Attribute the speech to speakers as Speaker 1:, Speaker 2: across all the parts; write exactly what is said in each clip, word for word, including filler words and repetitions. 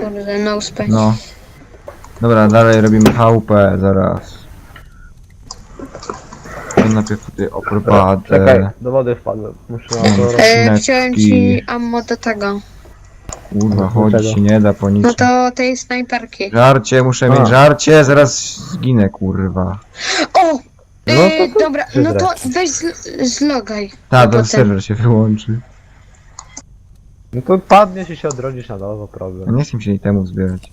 Speaker 1: kurde, no space.
Speaker 2: No. Dobra, dalej robimy chałupę, zaraz. To najpierw tutaj oprowadę.
Speaker 3: Czekaj, do wody wpadłem. Muszę na to robić.
Speaker 1: E, chciałem ci
Speaker 2: Skrzyneczki.
Speaker 1: ammo do tego.
Speaker 2: Kurwa, chodzić się nie da po nic.
Speaker 1: No to tej snajperki.
Speaker 2: Żarcie, muszę
Speaker 3: A.
Speaker 2: mieć żarcie, zaraz zginę, kurwa.
Speaker 1: O!
Speaker 3: No
Speaker 1: E,
Speaker 3: to to
Speaker 1: dobra, no to
Speaker 3: przyzrę.
Speaker 1: weź z- zlogaj.
Speaker 2: Ta,
Speaker 1: A
Speaker 2: ten
Speaker 1: potem-
Speaker 2: serwer się wyłączy.
Speaker 3: No to padniesz i się odrodzisz na nowo, problem.
Speaker 2: Nie chcę się i temu zbierać.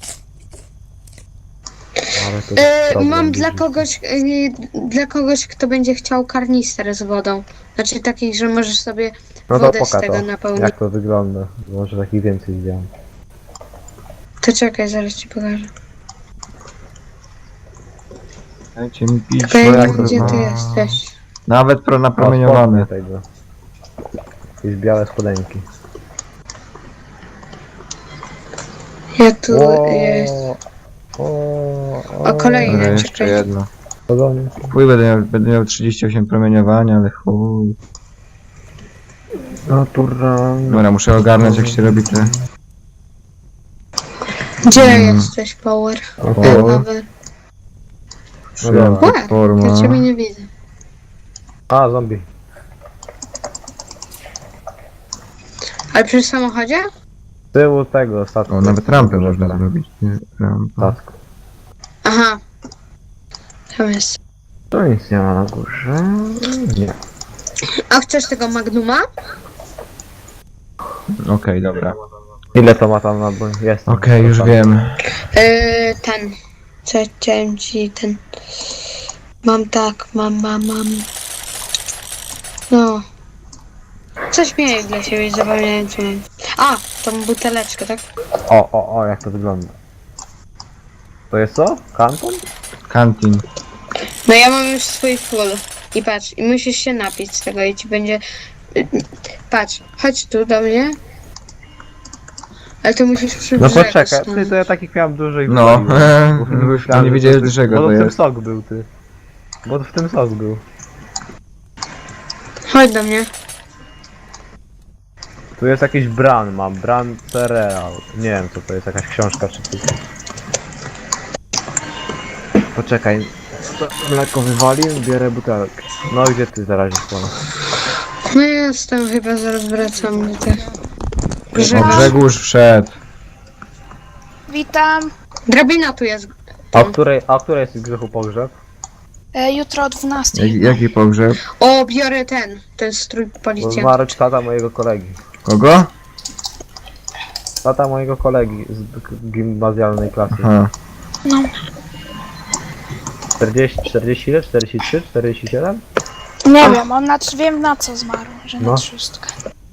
Speaker 3: Ale to
Speaker 1: E,
Speaker 3: problem
Speaker 1: mam dla
Speaker 3: duży.
Speaker 1: kogoś, e, dla kogoś, kto będzie chciał karnister z wodą. Znaczy taki, że możesz sobie
Speaker 3: No to
Speaker 1: wodę z
Speaker 3: poka
Speaker 1: tego
Speaker 3: to,
Speaker 1: napełnić.
Speaker 3: jak to wygląda. Może takich więcej zdjąłem.
Speaker 1: To czekaj, zaraz ci pokażę.
Speaker 2: Dajcie mi pić,
Speaker 1: Tylko ja nie wiem,
Speaker 2: kurwa.
Speaker 1: gdzie ty jesteś.
Speaker 2: Nawet pro napromieniowane.
Speaker 3: O, tego. Jakieś białe spodenki.
Speaker 1: Ja tu
Speaker 3: O,
Speaker 1: jest.
Speaker 3: o,
Speaker 1: O, kolejny.
Speaker 2: Dobra,
Speaker 1: Nie,
Speaker 2: jeszcze
Speaker 1: czekaj.
Speaker 2: jedno.
Speaker 3: Podobnie.
Speaker 2: Chuj, będę miał, będę miał trzydzieści osiem promieniowania, ale chuj.
Speaker 3: Naturalne.
Speaker 2: Dobra, muszę ogarnąć jak się robi te...
Speaker 1: Gdzie
Speaker 2: Mm.
Speaker 1: jesteś, Power?
Speaker 3: O,
Speaker 1: E,
Speaker 2: O.
Speaker 1: nowy.
Speaker 3: dobra.
Speaker 1: Łe,
Speaker 2: Platforma.
Speaker 1: ja ciebie nie widzę.
Speaker 3: A, zombie.
Speaker 1: Ale przy samochodzie?
Speaker 3: Z tyłu tego statku.
Speaker 2: O, nawet rampę
Speaker 3: Dobrze,
Speaker 2: można
Speaker 3: teraz.
Speaker 2: zrobić. Nie, rampa.
Speaker 3: Statku.
Speaker 1: Aha. Tam jest.
Speaker 3: To nic nie ma na górze. Nie.
Speaker 1: A chcesz tego Magnuma?
Speaker 2: Okej, dobra.
Speaker 3: Ile to ma tam na dół? Jest.
Speaker 2: Okej, już wiem.
Speaker 1: Yy, ten. Co chciałem ci ten. Mam tak, mam, mam, mam. No. Coś miałem dla siebie, zapomniałem co miałem. A, tą buteleczkę, tak?
Speaker 3: O, o, o, jak to wygląda. To jest co? Kanton?
Speaker 2: Kantin.
Speaker 1: No ja mam już swój full. I patrz, i musisz się napić z tego i ci będzie... Patrz, chodź tu do mnie. Ale ty musisz przy
Speaker 3: No
Speaker 1: brzegu
Speaker 3: poczekaj, ty
Speaker 1: stanąć.
Speaker 3: to ja takich miałem dużo i
Speaker 2: No,
Speaker 3: wywaliłem.
Speaker 2: to
Speaker 3: Myślałem,
Speaker 2: nie
Speaker 3: że
Speaker 2: wiedziałeś
Speaker 3: ty-
Speaker 2: dlaczego
Speaker 3: Bo
Speaker 2: to
Speaker 3: w tym
Speaker 2: jest.
Speaker 3: sok był, ty. Bo w tym sok był.
Speaker 1: Chodź do mnie.
Speaker 3: Tu jest jakiś bran, mam bran cereal. Nie wiem co to jest, jakaś książka czy coś. Poczekaj. To mleko wywalił, bierę butelkę. No gdzie ty zaraz jest?
Speaker 1: No ja jestem, chyba zaraz wracam do tych.
Speaker 2: O,
Speaker 1: Brzegu.
Speaker 2: Grzegorz wszedł.
Speaker 4: Witam.
Speaker 1: Drabina tu jest.
Speaker 3: A o której, a o której jest Grzechu pogrzeb?
Speaker 4: E, jutro o dwunastej.
Speaker 2: Jak, jaki pogrzeb?
Speaker 1: O, biorę ten. Ten strój
Speaker 3: Bo
Speaker 1: policjanta.
Speaker 3: zmarł tata mojego kolegi.
Speaker 2: Kogo?
Speaker 3: Tata mojego kolegi z g- gimnazjalnej klasy.
Speaker 2: Aha.
Speaker 4: No.
Speaker 3: czterdzieści, czterdzieści ile? czterdzieści trzy, czterdzieści siedem?
Speaker 4: Nie wiem, on na, wiem na co zmarł, że
Speaker 3: No.
Speaker 4: na szóstkę.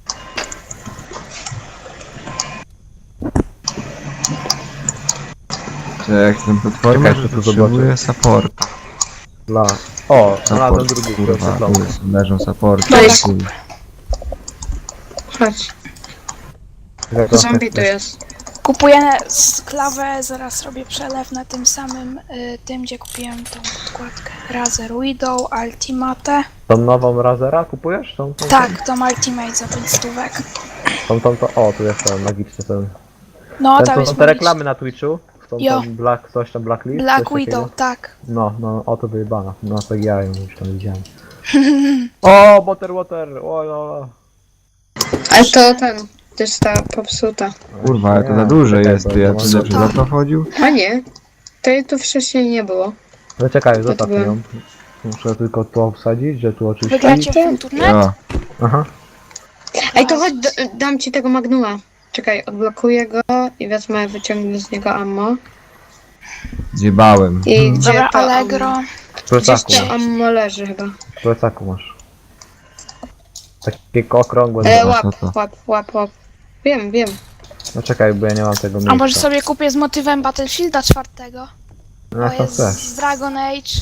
Speaker 2: To jak ten platformę,
Speaker 3: Czekaj,
Speaker 2: że
Speaker 3: to tu
Speaker 2: potrzebuje support.
Speaker 3: Dla... O, znalazłem
Speaker 2: Support,
Speaker 3: drugi,
Speaker 2: kurwa,
Speaker 3: oświetlony.
Speaker 2: tu jest, leżą support.
Speaker 1: Dobra.
Speaker 2: Chuj.
Speaker 1: Chodź.
Speaker 3: Jak to-
Speaker 1: Zombie tu jest.
Speaker 4: Kupuję sklawę, zaraz robię przelew na tym samym, y, tym gdzie kupiłem tą podkładkę. Razer Widow, Ultimate.
Speaker 3: Tą nową Razera kupujesz? Tą, tą,
Speaker 4: Tak, tą Ultimate za pięć stówek.
Speaker 3: Tą, tą, tą, o, tu jest ten magiczny ten.
Speaker 4: No,
Speaker 3: ten
Speaker 4: tam
Speaker 3: to
Speaker 4: jest
Speaker 3: są te
Speaker 4: magiczny.
Speaker 3: reklamy na Twitchu? Tą,
Speaker 4: Jo.
Speaker 3: tam Black, coś tam Blacklist?
Speaker 4: Black
Speaker 3: coś
Speaker 4: Widow,
Speaker 3: takiego?
Speaker 4: tak.
Speaker 3: No, no, o to wyjebana. No, tak ja ją już tam widziałem. O, Butter Water! O, o,
Speaker 1: Ale to ten. To jest ta popsuta.
Speaker 2: Kurwa, ale to
Speaker 3: Nie,
Speaker 2: za duże
Speaker 3: czekaj,
Speaker 2: jest,
Speaker 3: bo
Speaker 2: to ja
Speaker 3: to
Speaker 2: tu
Speaker 3: może-
Speaker 2: lepszy za to chodził?
Speaker 1: A nie. To tu wcześniej nie było.
Speaker 3: No czekaj, zostaw
Speaker 1: byłem.
Speaker 3: ją. Muszę tylko tu obsadzić, że tu oczywiście...
Speaker 4: Wygracie w turniej?
Speaker 2: Ja.
Speaker 3: Aha.
Speaker 1: Ej, to chodź, d- dam ci tego Magnuma. Czekaj, odblokuję go i wezmę, wyciągnę z niego ammo.
Speaker 2: Zjebałem.
Speaker 1: I gdzie
Speaker 4: Dobra,
Speaker 1: to
Speaker 4: Allegro.
Speaker 1: ammo?
Speaker 3: W
Speaker 1: Gdzieś
Speaker 3: plecaku
Speaker 1: to
Speaker 3: masz.
Speaker 1: ammo leży chyba.
Speaker 3: W plecaku masz. Takie okrągłe.
Speaker 1: E,
Speaker 2: Dobra,
Speaker 1: łap,
Speaker 2: co to?
Speaker 1: łap, łap, łap. Wiem, wiem.
Speaker 3: No czekaj, bo ja nie mam tego miejsca.
Speaker 4: A może sobie kupię z motywem Battlefielda czwartego?
Speaker 3: No
Speaker 4: To
Speaker 3: jak tam
Speaker 4: jest
Speaker 3: chcesz.
Speaker 4: z Dragon Age.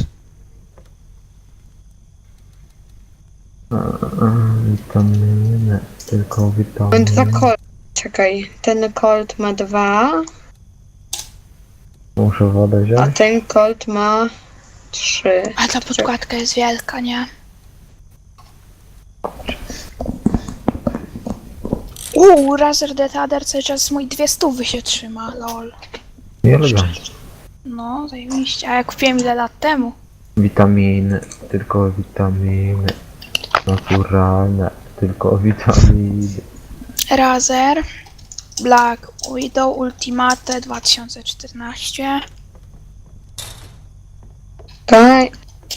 Speaker 3: Witaminy, tylko
Speaker 1: Mam
Speaker 3: witaminy.
Speaker 1: dwa Colt. Czekaj, ten Colt ma dwa,
Speaker 3: Muszę wodę
Speaker 1: a
Speaker 3: wziąć.
Speaker 1: ten Colt ma trzy.
Speaker 4: A ta podkładka jest wielka, nie? Uuu, Razer Detader cały czas mój dwie stówy się trzyma, lol.
Speaker 3: Nie elegancko.
Speaker 4: No, zajebiście. A ja kupiłem ile lat temu?
Speaker 3: Witaminy, tylko witaminy. Naturalne, tylko witaminy.
Speaker 4: Razer Black Widow Ultimate dwa tysiące czternaście.
Speaker 1: Okej.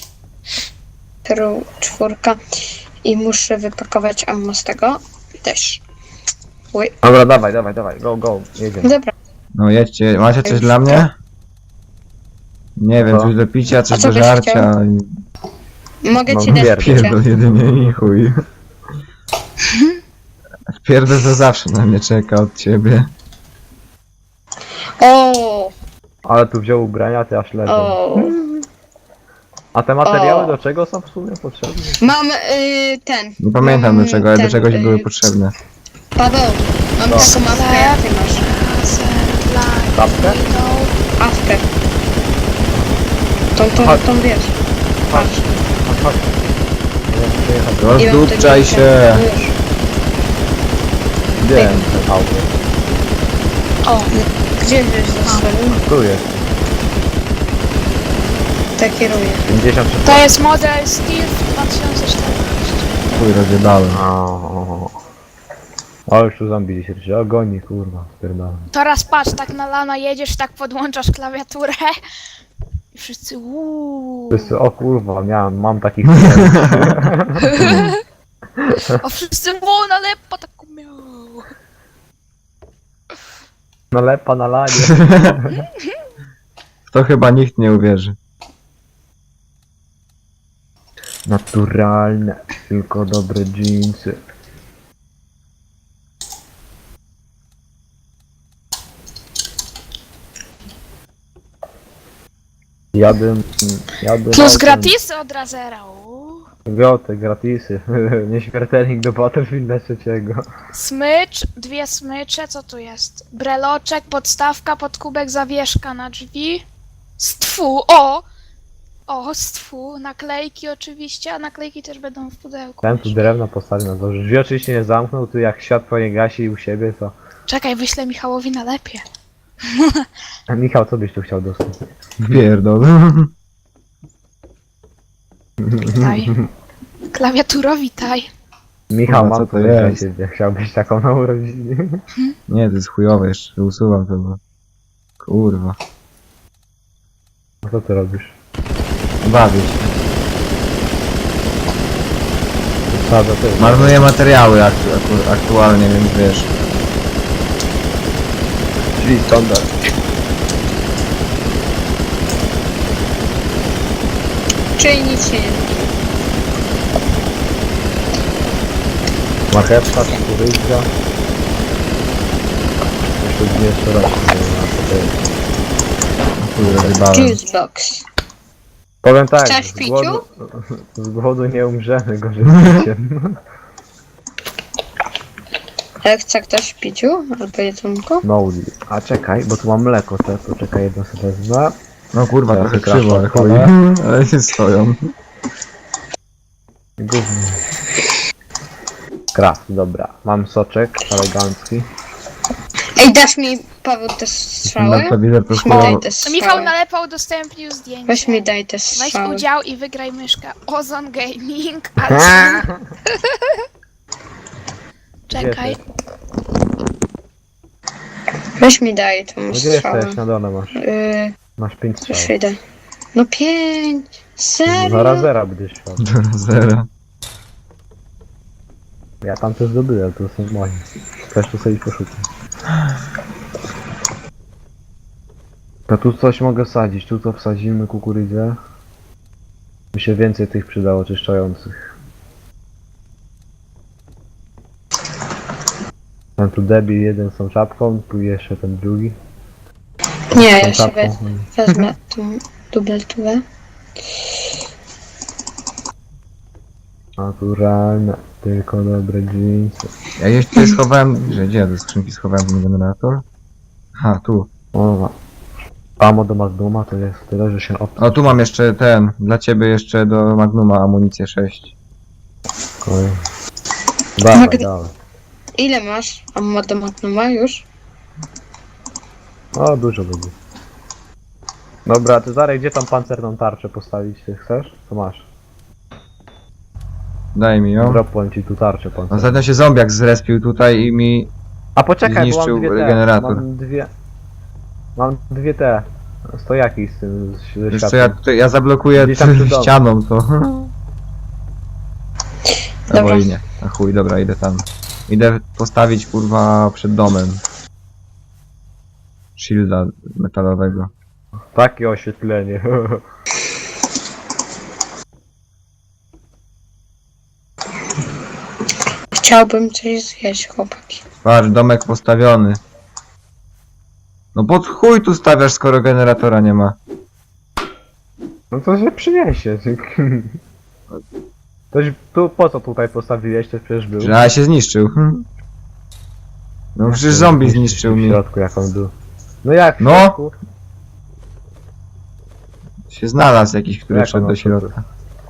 Speaker 1: Tru, czwórka. I muszę wypakować ammo z tego. Też. Oj,
Speaker 3: Dobra, dawaj, dawaj, dawaj, go, go, jedziemy.
Speaker 1: dobra.
Speaker 2: No jedźcie, macie coś dla mnie? Nie wiem,
Speaker 3: Co?
Speaker 2: coś do picia, coś
Speaker 1: A co
Speaker 2: do
Speaker 1: byś
Speaker 2: żarcia.
Speaker 1: Mogę
Speaker 3: No,
Speaker 1: ci dać
Speaker 3: pierdol,
Speaker 1: picie.
Speaker 2: Pierdol jedynie i chuj. Pierdol to zawsze na mnie czeka od ciebie.
Speaker 1: O,
Speaker 3: Ale tu wziął ubrania, ty aż leżą.
Speaker 1: o.
Speaker 3: A te materiały
Speaker 1: O.
Speaker 3: do czego są w sumie potrzebne?
Speaker 1: Mam y, ten.
Speaker 2: Nie pamiętam
Speaker 1: mam
Speaker 2: do czego, ale do
Speaker 1: ten,
Speaker 2: czegoś
Speaker 1: y,
Speaker 2: były potrzebne.
Speaker 1: Paweł, mam
Speaker 3: Co?
Speaker 1: taką awkę jak ty masz.
Speaker 4: Razer Black
Speaker 3: Tapkę?
Speaker 4: Widow.
Speaker 1: Awkę. Tą, tą,
Speaker 3: Chodź.
Speaker 1: tą wiesz. Patrz.
Speaker 3: Chodź, chodź. Nie, przyjechać.
Speaker 1: I mam
Speaker 2: Rozdupczaj
Speaker 1: tego-
Speaker 2: się!
Speaker 1: Już.
Speaker 3: Gdzie ten auto?
Speaker 4: O,
Speaker 1: Gdzie żeś zostawił?
Speaker 3: Tu jest.
Speaker 1: Tak kieruję.
Speaker 3: pięćdziesiąt trzy.
Speaker 4: to jest model Steel dwa tysiące czternaście.
Speaker 2: Chuj, rozjebałem.
Speaker 3: O, o, już tu zombie się się ogoni, kurwa, spierdalam.
Speaker 4: Teraz patrz, tak na lana jedziesz, tak podłączasz klawiaturę. I wszyscy uuu.
Speaker 3: Wszyscy, o kurwa, miałem, mam takich
Speaker 4: A wszyscy o, na lepo taką miał.
Speaker 3: nalepa na lanie.
Speaker 2: W to chyba nikt nie uwierzy.
Speaker 3: Naturalne, tylko dobre dżinsy. Jadę, jadę
Speaker 4: Plus
Speaker 3: autem.
Speaker 4: gratisy od Razera. uuu.
Speaker 3: Goty, gratisy. Nieśmiertelnik do Battlefielda trzeciego.
Speaker 4: Smycz, dwie smycze, co tu jest? Breloczek, podstawka, podkubek, zawieszka na drzwi. Stwu, o! O, stwu, naklejki oczywiście, a naklejki też będą w pudełku.
Speaker 3: Ten tu drewno postawił na dworze. Drzwi oczywiście nie zamknął, tu jak światło nie gasi u siebie, to...
Speaker 4: Czekaj, wyślę Michałowi na lepie.
Speaker 3: A Michał, co byś tu chciał dostać?
Speaker 2: Pierdol.
Speaker 4: Witaj. Klawiaturo, witaj.
Speaker 3: Michał,
Speaker 2: Kurwa,
Speaker 3: mam
Speaker 2: co to
Speaker 3: coś dla
Speaker 2: jest?
Speaker 3: ciebie. Chciałbyś taką na urodziny?
Speaker 2: Nie, to jest chujowe jeszcze, usuwam to. Bo... Kurwa.
Speaker 3: A co ty robisz?
Speaker 2: Bawię się.
Speaker 3: Co za ty?
Speaker 2: Marnuję materiały aktu aktu aktualnie, więc wiesz.
Speaker 3: Czyli standard.
Speaker 1: Czyli nic się nie da.
Speaker 3: Marchewka, tu wyjścia. Jeszcze dwie jeszcze raz. Nie wiem, na co to jest.
Speaker 2: Chuj, rozjebałem.
Speaker 1: Juice box.
Speaker 3: Powiem tak,
Speaker 1: Chcesz
Speaker 3: z
Speaker 1: piciu?
Speaker 3: głodu, z głodu nie umrzemy, gorzej z piciem.
Speaker 1: Ale chce ktoś piciu? Albo jedzonko?
Speaker 3: No, a czekaj, bo tu mam mleko, to, to czekaj, jedno sobie wezmę.
Speaker 2: No kurwa,
Speaker 3: Teraz
Speaker 2: trochę
Speaker 3: wykraszam
Speaker 2: krzywo, ale chuj.
Speaker 3: kolę.
Speaker 2: Ale się stoją.
Speaker 3: Gówno. Kraft, dobra. Mam soczek elegancki.
Speaker 1: Ej, dasz mi, Paweł, te strzały?
Speaker 2: Naklawidor to
Speaker 1: Weź mi daj
Speaker 2: chujowo.
Speaker 1: te
Speaker 4: To Michał
Speaker 1: strzały.
Speaker 4: nalepa udostępnił zdjęcie.
Speaker 1: Weź mi daj te
Speaker 4: Weź
Speaker 1: strzały.
Speaker 4: udział i wygraj myszkę Ozon Gaming. A czekaj.
Speaker 1: Weź mi daj tą
Speaker 3: Gdzie
Speaker 1: strzałę.
Speaker 3: jesteś? Na dole masz.
Speaker 1: Yy,
Speaker 3: Masz pięć
Speaker 1: już
Speaker 3: strzał.
Speaker 1: idę. No pięć. Serio?
Speaker 3: Zaraz zera będziesz szła.
Speaker 2: Do zera.
Speaker 3: Ja tam też zdobyłem, to są moje. Też tu sobie poszukam. To tu coś mogę sadzić, tu to wsadzimy kukurydzę. Mi się więcej tych przydało oczyszczających. Mam tu debil jeden z tą czapką, tu jeszcze ten drugi.
Speaker 1: Nie,
Speaker 3: Z tą
Speaker 1: ja się
Speaker 3: czapką.
Speaker 1: we- wezmę tą dubeltówę.
Speaker 3: Naturalne, tylko dobre dżinsy.
Speaker 2: Ja jeszcze schowałem... Że gdzie ja do skrzynki schowałem ten generator? Ha, tu.
Speaker 3: O, Amo do Magnuma to jest tyle, że się op...
Speaker 2: O, tu mam jeszcze ten, dla ciebie jeszcze do Magnuma amunicję sześć.
Speaker 3: Dawaj,
Speaker 1: Magdy-
Speaker 3: dawaj.
Speaker 1: Ile masz? A modomatno ma już?
Speaker 3: O, dużo będzie. Dobra, ty Zarek, gdzie tam pancerną tarczę postawić? Ty chcesz? To masz.
Speaker 2: Daj mi ją.
Speaker 3: Dropłem ci tu tarczę pancerną.
Speaker 2: Ostatnio się zombiak zrespił tutaj i mi...
Speaker 3: A poczekaj, bo
Speaker 2: zniszczył
Speaker 3: mam dwie te.
Speaker 2: regenerator.
Speaker 3: Mam dwie... Mam dwie te. Stojaki z tym, z, ze
Speaker 2: Wiesz co,
Speaker 3: światłem.
Speaker 2: ja tutaj, ja zablokuję
Speaker 3: Gdzieś tam przy domu.
Speaker 2: ścianą to.
Speaker 1: Dobra.
Speaker 2: Albo i nie. A chuj, dobra, idę tam. Idę postawić kurwa przed domem. Shielda metalowego.
Speaker 3: Takie oświetlenie.
Speaker 1: Chciałbym coś zjeść, chłopaki.
Speaker 2: Patrz, domek postawiony. No pod chuj tu stawiasz, skoro generatora nie ma.
Speaker 3: No to się przyniesie. Toś, tu, po co tutaj postawiłeś? To przecież był.
Speaker 2: Że a się zniszczył. hm. No przecież zombie zniszczył
Speaker 3: w
Speaker 2: mi.
Speaker 3: środku jak on był. No jak w
Speaker 2: No.
Speaker 3: środku?
Speaker 2: Się znalazł jakiś, który
Speaker 3: Jak
Speaker 2: wszedł
Speaker 3: on
Speaker 2: do środka.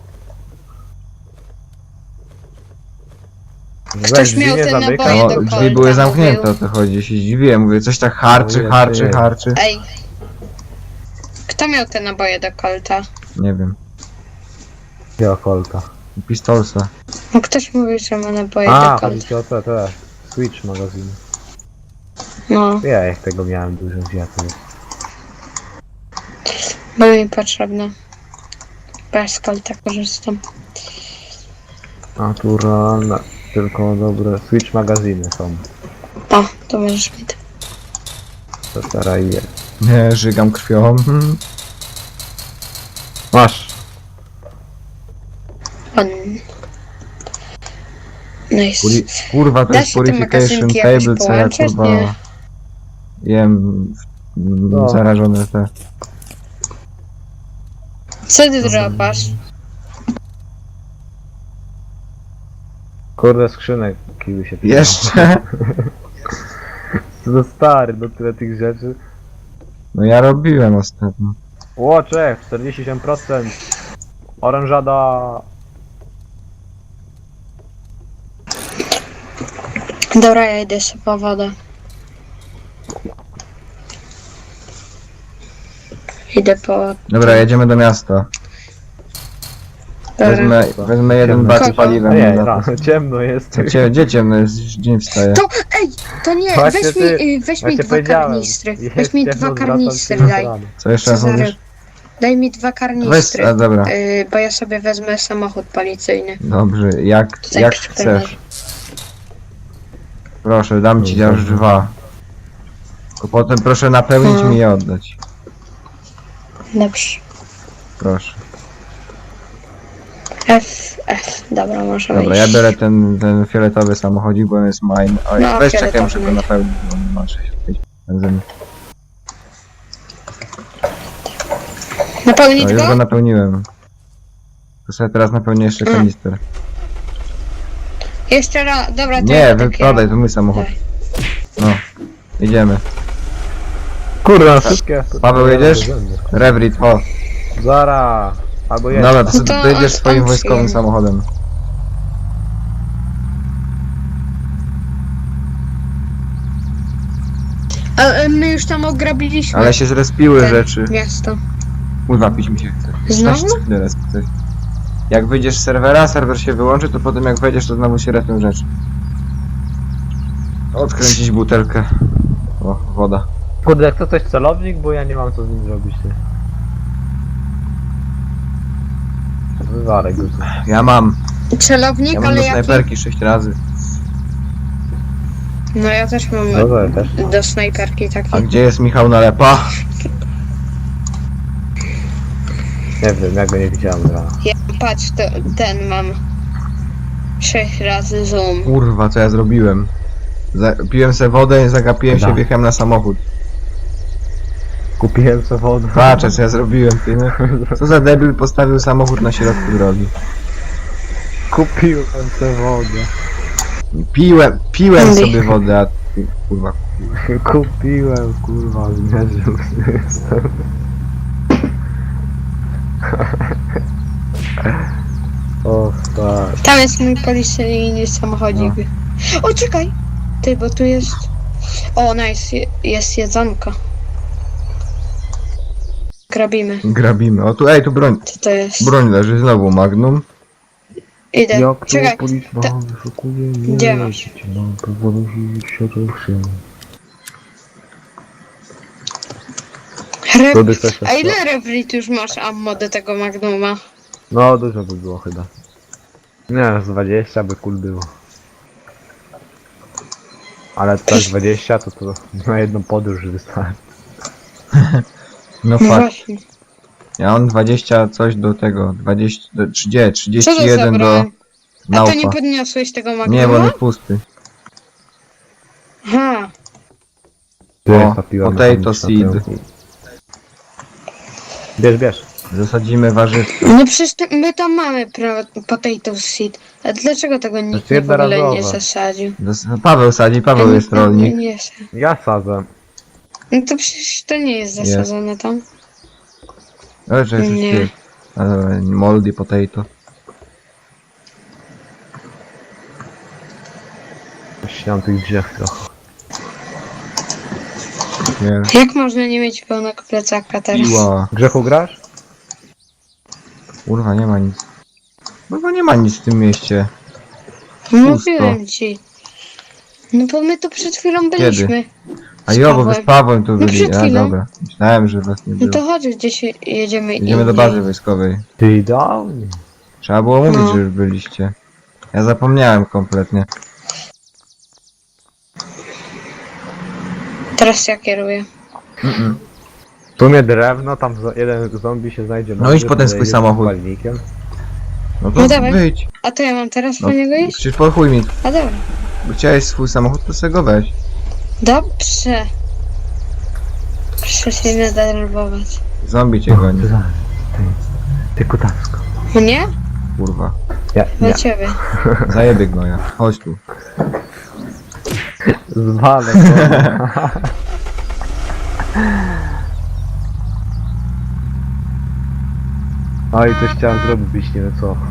Speaker 3: Weź
Speaker 1: Ktoś
Speaker 3: drzwi
Speaker 1: miał
Speaker 3: nie
Speaker 1: te
Speaker 3: zamykaj.
Speaker 1: naboje
Speaker 2: No,
Speaker 1: do
Speaker 2: drzwi
Speaker 1: kolta,
Speaker 2: były zamknięte,
Speaker 1: mówił.
Speaker 2: o to chodzi. Się zdziwiłem, mówię, coś tak harczy,
Speaker 3: Mówię,
Speaker 2: harczy,
Speaker 3: ty.
Speaker 2: harczy.
Speaker 1: Ej. Kto miał te naboje do kolta?
Speaker 2: Nie wiem.
Speaker 3: Jakiego kolta?
Speaker 2: Pistolsa.
Speaker 1: No ktoś mówił, że ma naboje
Speaker 3: A,
Speaker 1: do
Speaker 3: chodzi
Speaker 1: kolta.
Speaker 3: ci o te, te. Switch magazyn.
Speaker 1: No,
Speaker 3: Ja jak tego miałem dużo zjadł.
Speaker 1: bo mi potrzebne. Bo ja z kolta korzystam.
Speaker 3: Naturalne. Tylko dobre. Switch magazyny są.
Speaker 1: O, to możesz mi to.
Speaker 3: To teraz je.
Speaker 2: Nie, żygam krwią. Hmm.
Speaker 3: Masz.
Speaker 1: On... Nice.
Speaker 2: Puri kurwa, to
Speaker 1: Da
Speaker 2: jest
Speaker 1: się te
Speaker 2: purification
Speaker 1: magazynki jakoś
Speaker 2: table, co ja
Speaker 1: połączyć?
Speaker 2: kurwa...
Speaker 1: Nie.
Speaker 2: Jem... mm,
Speaker 3: No.
Speaker 2: Zarażone te...
Speaker 1: Co ty dropasz?
Speaker 3: Kurde, skrzynek kiły się
Speaker 2: Jeszcze?
Speaker 3: Co za stary, do tyle tych rzeczy.
Speaker 2: No ja robiłem ostatnio.
Speaker 3: Łoczek, czterdzieści siedem procent. Oranżada.
Speaker 1: Dobra, ja idę sobie po wodę. Idę po...
Speaker 2: Dobra, jedziemy do miasta.
Speaker 1: Dobra.
Speaker 2: Wezmę, wezmę jeden bak z
Speaker 1: Kogo?
Speaker 2: paliwem.
Speaker 3: Nie,
Speaker 2: na
Speaker 3: ra,
Speaker 2: zapas.
Speaker 3: ciemno jest.
Speaker 2: Cie, gdzie ciemno jest? Dzień wstaje.
Speaker 1: To, ej, to nie,
Speaker 3: Właśnie
Speaker 1: weź
Speaker 3: ty-
Speaker 1: mi, y, weź mi
Speaker 3: Właśnie
Speaker 1: dwa
Speaker 3: powiedziałem,
Speaker 1: karnistry.
Speaker 3: jest
Speaker 1: Weź mi
Speaker 3: ciemno,
Speaker 1: dwa
Speaker 3: zwracam
Speaker 1: karnistry,
Speaker 3: się na
Speaker 1: daj.
Speaker 3: stronę.
Speaker 2: Co jeszcze raz
Speaker 1: Cezary,
Speaker 2: mówisz?
Speaker 1: daj mi dwa
Speaker 2: Weź,
Speaker 1: karnistry,
Speaker 2: a dobra.
Speaker 1: y, bo ja sobie wezmę samochód policyjny.
Speaker 2: Dobrze, jak,
Speaker 1: Tutaj
Speaker 2: jak
Speaker 1: przy
Speaker 2: chcesz. Proszę, dam ci aż dwa. Tylko potem proszę napełnić
Speaker 1: No.
Speaker 2: mi je oddać.
Speaker 1: Dobrze.
Speaker 2: Proszę.
Speaker 1: F, F, dobra, możemy
Speaker 2: Dobra, ja
Speaker 1: iść.
Speaker 2: biorę ten, ten fioletowy samochodzik, bo on jest mine. Oj,
Speaker 1: No,
Speaker 2: weź czekaj,
Speaker 1: fioletowy
Speaker 2: muszę go
Speaker 1: mine.
Speaker 2: napełnić, bo nie ma sześćdziesiąt pięć benzyny.
Speaker 1: Napełnić
Speaker 2: No, już
Speaker 1: go?
Speaker 2: go napełniłem. To sobie teraz napełnię jeszcze
Speaker 1: Mm.
Speaker 2: kanister.
Speaker 1: Jeszcze raz, dobra, to
Speaker 2: Nie,
Speaker 1: ja tak
Speaker 2: wyprodaj, to mój samochód.
Speaker 1: Daj.
Speaker 2: No, jedziemy.
Speaker 3: Kurwa, wszystkie.
Speaker 2: Paweł, jedziesz? Revrit, o.
Speaker 3: Zara. Albo jedź.
Speaker 2: Dobra, to sobie
Speaker 1: To
Speaker 2: dojedziesz
Speaker 1: on-
Speaker 2: swoim
Speaker 1: on
Speaker 2: wojskowym
Speaker 1: przyjemny.
Speaker 2: samochodem.
Speaker 1: A, e, my już tam ograbiliśmy
Speaker 2: Ale się zrespiły
Speaker 1: te
Speaker 2: rzeczy.
Speaker 1: miasto.
Speaker 2: Kurwa, pić mi się chce.
Speaker 1: Znowu?
Speaker 2: Weź co chwilę resp coś. Jak wyjdziesz z serwera, serwer się wyłączy, to potem jak wejdziesz, to znowu się respią rzeczy. Odkręcić butelkę. O, woda.
Speaker 3: Kurde, jak to coś celownik, bo ja nie mam co z nim zrobić, ty. Wywalę go tu.
Speaker 2: Ja mam.
Speaker 1: Celownik,
Speaker 2: Ja mam
Speaker 1: ale
Speaker 2: do
Speaker 1: jaki?
Speaker 2: snajperki sześć razy.
Speaker 1: No ja też mam
Speaker 3: Dobra, ja też.
Speaker 1: do snajperki taki.
Speaker 2: A gdzie jest Michał Nalepa?
Speaker 3: Nie wiem, ja go nie widziałem rano.
Speaker 1: Ja, patrz, to, ten mam. Sześć razy zoom.
Speaker 2: Kurwa, co ja zrobiłem? Za piłem sobie wodę, zagapiłem się,
Speaker 3: Da.
Speaker 2: wjechałem na samochód.
Speaker 3: Kupiłem sobie wodę.
Speaker 2: Patrz, co ja zrobiłem, ty, no. Co za debil postawił samochód na środku drogi.
Speaker 3: Kupiłem sobie wodę.
Speaker 2: Piłem, piłem
Speaker 1: Andy.
Speaker 2: sobie wodę, a ty, kurwa.
Speaker 3: Kupiłem, kurwa, zmierzył jestem. O, tak.
Speaker 1: Tam jest mój policyjny samochodzik. O, czekaj! Ty, bo tu jest... O, nice, je- jest jedzonko. Grabimy.
Speaker 2: Grabimy. O tu, ej, tu broń.
Speaker 1: Co to jest?
Speaker 2: Broń leży, znowu Magnum.
Speaker 1: Idę.
Speaker 3: Jak to
Speaker 1: Czekaj.
Speaker 3: policja
Speaker 1: to-
Speaker 3: wyszukuje
Speaker 1: Gdzie
Speaker 3: mnie,
Speaker 1: masz?
Speaker 3: życie mam powolność się ruszył.
Speaker 1: Re...
Speaker 3: Rudy chcesz
Speaker 1: A
Speaker 3: jeszcze?
Speaker 1: ile Revrit już masz ammo do tego Magnuma?
Speaker 3: No, dużo by było chyba. Nie, z dwadzieścia by cool było. Ale tak dwadzieścia to to na jedną podróż wystarczy.
Speaker 2: No
Speaker 1: No
Speaker 2: fakt.
Speaker 1: właśnie.
Speaker 2: Ja mam dwadzieścia coś do tego. dwadzieścia, do- trzydzieści,
Speaker 1: Co
Speaker 2: trzydzieści
Speaker 1: to
Speaker 2: jeden do
Speaker 1: zabrałem? A to nie
Speaker 2: naupa.
Speaker 1: podniosłeś tego Magnuma?
Speaker 2: Nie, bo on jest pusty.
Speaker 1: Aha.
Speaker 3: Tu
Speaker 2: O,
Speaker 3: jest ta piła
Speaker 2: potato
Speaker 3: mechaniczna,
Speaker 2: seed.
Speaker 3: to- Bierz, bierz.
Speaker 2: Zasadzimy warzywka.
Speaker 1: No przecież to, my tam mamy pro, potato seed. A dlaczego tego nikt
Speaker 3: jest
Speaker 1: w ogóle nie
Speaker 3: jednorazowe.
Speaker 1: zasadził?
Speaker 2: Zas- Paweł sadzi, Paweł
Speaker 1: Ja
Speaker 2: jest
Speaker 1: nie-
Speaker 2: rolnik.
Speaker 1: Nie, nie chcę.
Speaker 3: Ja sadzę.
Speaker 1: No to przecież to nie jest zasadzone tam.
Speaker 2: Ale że jesteś
Speaker 1: Nie.
Speaker 2: ty. Ale moldy potato.
Speaker 3: Ściąłem tych drzew trochę.
Speaker 2: Nie.
Speaker 1: Jak można nie mieć pełnego plecaka teraz?
Speaker 2: Piła.
Speaker 3: Grzechu grasz?
Speaker 2: Kurwa, nie ma nic. Kurwa, nie ma nic w tym mieście.
Speaker 1: Mówiłem ci. No bo my tu przed chwilą byliśmy.
Speaker 2: A
Speaker 1: Z
Speaker 2: jo, bo wy z
Speaker 1: Pawłem.
Speaker 2: Pawłem tu
Speaker 1: No
Speaker 2: byli.
Speaker 1: przed
Speaker 2: A
Speaker 1: chwilą.
Speaker 2: dobra. Myślałem, że was nie
Speaker 1: No
Speaker 2: było.
Speaker 1: to chodź, gdzieś jedziemy
Speaker 2: Idziemy do
Speaker 1: indziej.
Speaker 2: bazy wojskowej.
Speaker 3: Ty idealnie.
Speaker 2: Trzeba było mówić,
Speaker 1: No.
Speaker 2: że już byliście. Ja zapomniałem kompletnie.
Speaker 1: Teraz ja kieruję.
Speaker 2: Mm-mm.
Speaker 3: W sumie drewno, tam zo- jeden zombie się znajdzie.
Speaker 2: No
Speaker 3: mądry,
Speaker 2: idź po ten swój
Speaker 3: podejdzie z
Speaker 2: samochód.
Speaker 3: palnikiem.
Speaker 2: No to
Speaker 1: No dawaj.
Speaker 2: wyjdź.
Speaker 1: A to ja mam teraz
Speaker 2: No,
Speaker 1: po niego iść?
Speaker 2: przecież po chuj mi.
Speaker 1: A dobra.
Speaker 2: Bo chciałeś swój samochód, to sobie go weź.
Speaker 1: Dobrze. Proszę się nie denerwować.
Speaker 2: Zombie cię goni.
Speaker 3: Ty, ty kutasko.
Speaker 1: Mnie?
Speaker 2: Kurwa.
Speaker 3: Ja,
Speaker 1: Do
Speaker 3: ja.
Speaker 1: ciebie.
Speaker 2: Zajebie gnoja. Chodź tu.
Speaker 3: Zwalę go. No i coś chciałem zrobić, nie wiem co.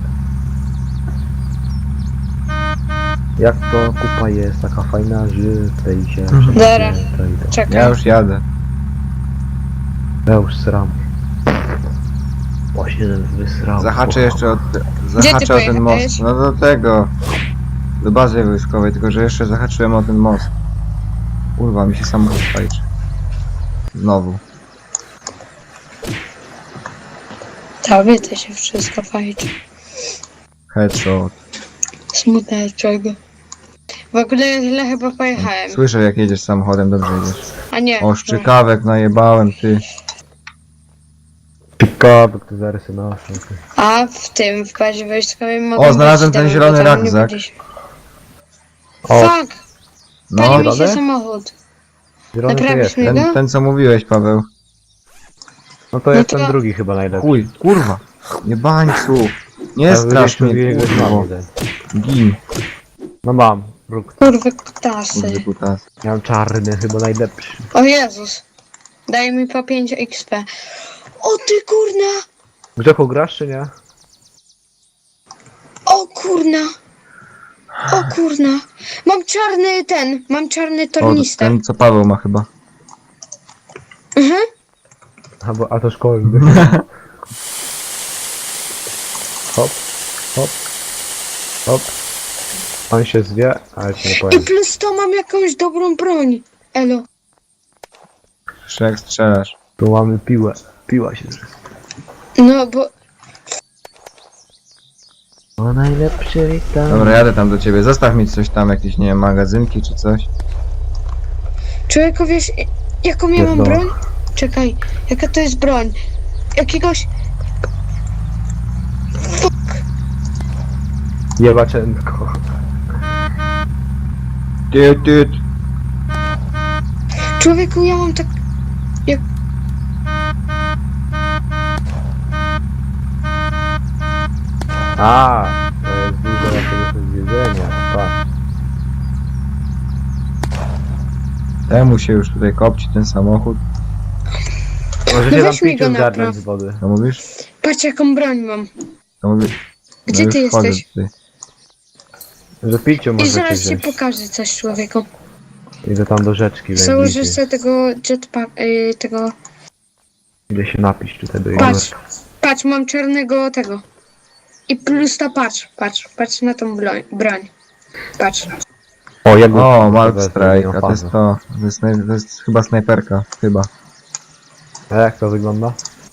Speaker 3: Jak to kupa jest taka fajna, że tej się...
Speaker 1: Dobra.
Speaker 3: tej- tej-
Speaker 1: Czekaj.
Speaker 2: Ja już jadę.
Speaker 3: Ja już sram. Właśnie wysrał.
Speaker 2: Zahaczę jeszcze od...
Speaker 1: ty
Speaker 2: Zahaczę o ten
Speaker 1: pojechałeś?
Speaker 2: most. No do tego. Do bazy wojskowej, tylko że jeszcze zahaczyłem o ten most. Kurwa, mi się samochód fajczy. Znowu.
Speaker 1: Tobie to się wszystko fajczy.
Speaker 2: Headshot.
Speaker 1: Smutne czego. W ogóle źle chyba pojechałem.
Speaker 2: Słyszę jak jedziesz samochodem, dobrze jedziesz.
Speaker 1: A nie.
Speaker 2: O, szczykawek najebałem, ty.
Speaker 3: Pikabek to zarysy na
Speaker 1: A w tym, w bazie wojskowej mogą
Speaker 2: O, znalazłem
Speaker 1: być
Speaker 2: ten
Speaker 1: tam,
Speaker 2: zielony
Speaker 1: bo tam nie
Speaker 2: rukzak.
Speaker 1: byliśmy.
Speaker 3: O,
Speaker 1: Fuck! Pali mi się
Speaker 3: zielony?
Speaker 1: samochód.
Speaker 3: zielony to
Speaker 1: Naprawisz
Speaker 3: jest.
Speaker 1: mi
Speaker 2: Ten,
Speaker 1: go?
Speaker 2: ten co mówiłeś, Paweł.
Speaker 3: No to jest
Speaker 1: No to-
Speaker 3: ten drugi chyba najlepszy.
Speaker 2: Chuj, kurwa. Jebańcu. Nie
Speaker 3: A
Speaker 2: strasz
Speaker 3: wyjdziesz,
Speaker 2: mnie,
Speaker 3: wyjdziesz,
Speaker 2: kurwo.
Speaker 3: mam jeden.
Speaker 2: Gin.
Speaker 3: No mam, róg.
Speaker 1: Kurwy kutasy.
Speaker 2: Kurde, kutas.
Speaker 3: Ja mam czarny, chyba najlepszy.
Speaker 1: O Jezus. Daj mi po pięć X P. O ty kurna!
Speaker 3: Grzechu grasz czy nie?
Speaker 1: O kurna! O kurna! Mam czarny ten, mam czarny
Speaker 2: O,
Speaker 1: tornister.
Speaker 2: ten co Paweł ma chyba.
Speaker 1: Mhm.
Speaker 3: A, bo, a to szkolny. Hop, hop, hop. On się zwie, ale ci nie
Speaker 1: I
Speaker 3: powiem.
Speaker 1: plus to mam jakąś dobrą broń. Elo.
Speaker 2: Jeszcze jak strzelasz.
Speaker 3: Tu mamy piłę. Piła się zrywa.
Speaker 1: No bo...
Speaker 3: O najlepszy tam.
Speaker 2: Dobra, jadę tam do ciebie. Zostaw mi coś tam, jakieś, nie wiem, magazynki czy coś.
Speaker 1: Człowieku, wiesz, jaką ja mam
Speaker 3: Jedno.
Speaker 1: broń? Czekaj, jaka to jest broń? Jakiegoś...
Speaker 3: Jebaczenko.
Speaker 2: Ty, ty.
Speaker 1: Człowieku, ja mam tak...
Speaker 3: A, to jest dużo jakiegoś jedzenia. Tak.
Speaker 2: Temu się już tutaj kopci ten samochód.
Speaker 3: Możecie
Speaker 1: No
Speaker 3: tam
Speaker 1: weź mi
Speaker 3: piciu
Speaker 1: go
Speaker 3: zgarnąć
Speaker 1: napraw.
Speaker 3: z wody.
Speaker 2: To mówisz?
Speaker 1: Patrz, jaką broń mam.
Speaker 2: To mówisz.
Speaker 1: Gdzie
Speaker 2: już
Speaker 1: ty
Speaker 2: wchodzę
Speaker 1: jesteś?
Speaker 2: tutaj.
Speaker 3: Że piciu
Speaker 1: I
Speaker 3: możecie
Speaker 1: zaraz ci
Speaker 3: wziąć.
Speaker 1: pokażę coś człowieku.
Speaker 3: Idę tam do rzeczki,
Speaker 1: Założę
Speaker 3: najbliżej.
Speaker 1: sobie tego jetpack, y, tego...
Speaker 3: Idę się napić tutaj do
Speaker 1: Patrz,
Speaker 3: jeziora.
Speaker 1: patrz, mam czarnego tego. I plus ta patrz, patrz, patrz na tą broń. broń. Patrz.
Speaker 3: O, jak
Speaker 2: O, Mark Strike, a to jest to. To jest, naj... to jest chyba snajperka, chyba.
Speaker 3: A jak to wygląda?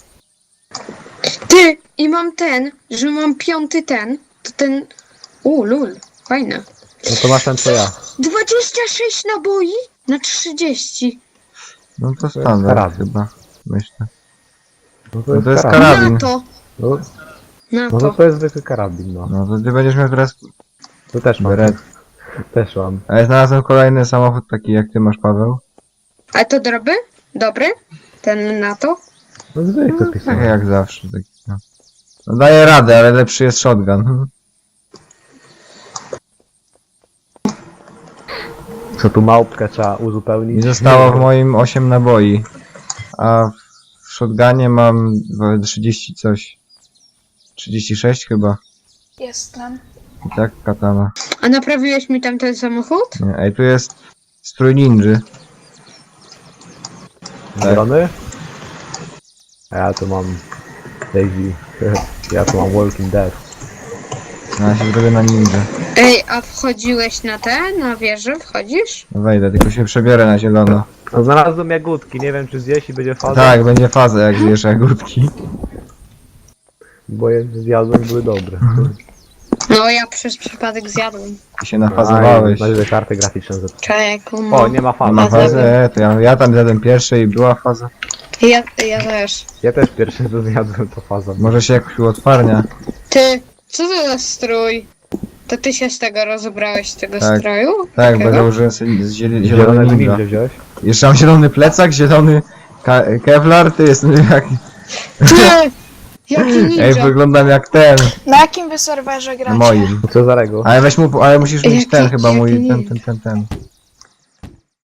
Speaker 1: Ty! I mam ten, że mam piąty ten, to ten... U, lul, fajne.
Speaker 3: No to masz ten co ja.
Speaker 1: dwadzieścia sześć naboi na trzydzieści.
Speaker 2: No to
Speaker 3: jest
Speaker 2: standard
Speaker 3: karabin.
Speaker 2: chyba, myślę.
Speaker 3: No
Speaker 2: No to jest
Speaker 3: karabin.
Speaker 2: karabin.
Speaker 1: Na to,
Speaker 3: No,
Speaker 1: na
Speaker 3: no to
Speaker 1: to.
Speaker 3: to jest zwykły karabin, no.
Speaker 2: No to ty będziesz miał teraz
Speaker 3: To też mam.
Speaker 2: beret.
Speaker 3: Też mam.
Speaker 2: A ja znalazłem kolejny samochód taki jak ty masz, Paweł.
Speaker 1: A to dobry? Dobry? Ten na to?
Speaker 3: No zwykły
Speaker 2: Tak
Speaker 3: pisałem.
Speaker 2: jak zawsze. Taki, no. No daje radę, ale lepszy jest shotgun.
Speaker 3: Co tu małpkę trzeba uzupełnić?
Speaker 2: I zostało w moim osiem naboi. A w shotgunie mam trzydzieści coś. trzydzieści sześć chyba.
Speaker 4: Jestem.
Speaker 2: I tak katana.
Speaker 1: A naprawiłeś mi tam ten samochód?
Speaker 2: Nie, ej, tu jest strój ninży.
Speaker 3: Drony? A ja tu mam Daisy. Ja tu mam Walking Dead.
Speaker 2: No ja się zrobię na ninja.
Speaker 1: Ej, a wchodziłeś na te, na wieżę? Wchodzisz?
Speaker 2: No wejdę, tylko się przebiorę na zielono.
Speaker 3: No znalazłem jagódki, nie wiem czy zjeść i będzie faza.
Speaker 2: Tak, będzie faza jak zjesz jagódki.
Speaker 3: Bo je zjadłem były dobre.
Speaker 1: No ja przez przypadek zjadłem.
Speaker 2: I się nafazowałeś.
Speaker 3: Na razie karty graficzne zepsułem.
Speaker 1: Człowieku,
Speaker 3: O,
Speaker 1: no.
Speaker 3: nie ma
Speaker 2: Nie
Speaker 3: fazy.
Speaker 2: ma
Speaker 1: Faza
Speaker 2: fazy, e, to ja, ja tam zjadłem pierwszy i była faza.
Speaker 1: Ja, ja też.
Speaker 3: Ja też pierwszy co zjadłem to faza.
Speaker 2: Może się jakoś uotwarnia.
Speaker 1: Ty, co to za strój? To ty się z tego rozebrałeś, z tego
Speaker 2: Tak.
Speaker 1: stroju?
Speaker 2: Tak, bo
Speaker 1: Takiego?
Speaker 2: założyłem sobie z ziel- zielony
Speaker 3: Zielonego
Speaker 2: ninja.
Speaker 3: ninja wziąłeś?
Speaker 2: Jeszcze mam zielony plecak, zielony ka- kevlar, ty jestem jak...
Speaker 1: Ty! Jaki
Speaker 2: Ej,
Speaker 1: ninja!
Speaker 2: wyglądam jak ten,
Speaker 4: Na jakim wy serwerze
Speaker 2: na
Speaker 4: gracie?
Speaker 2: moim.
Speaker 3: Co za rego?
Speaker 2: Ale weź mu, ale musisz mieć
Speaker 1: Jaki-
Speaker 2: ten chyba mój,
Speaker 1: jaki
Speaker 2: ten,
Speaker 1: ninja?
Speaker 2: ten, ten, ten.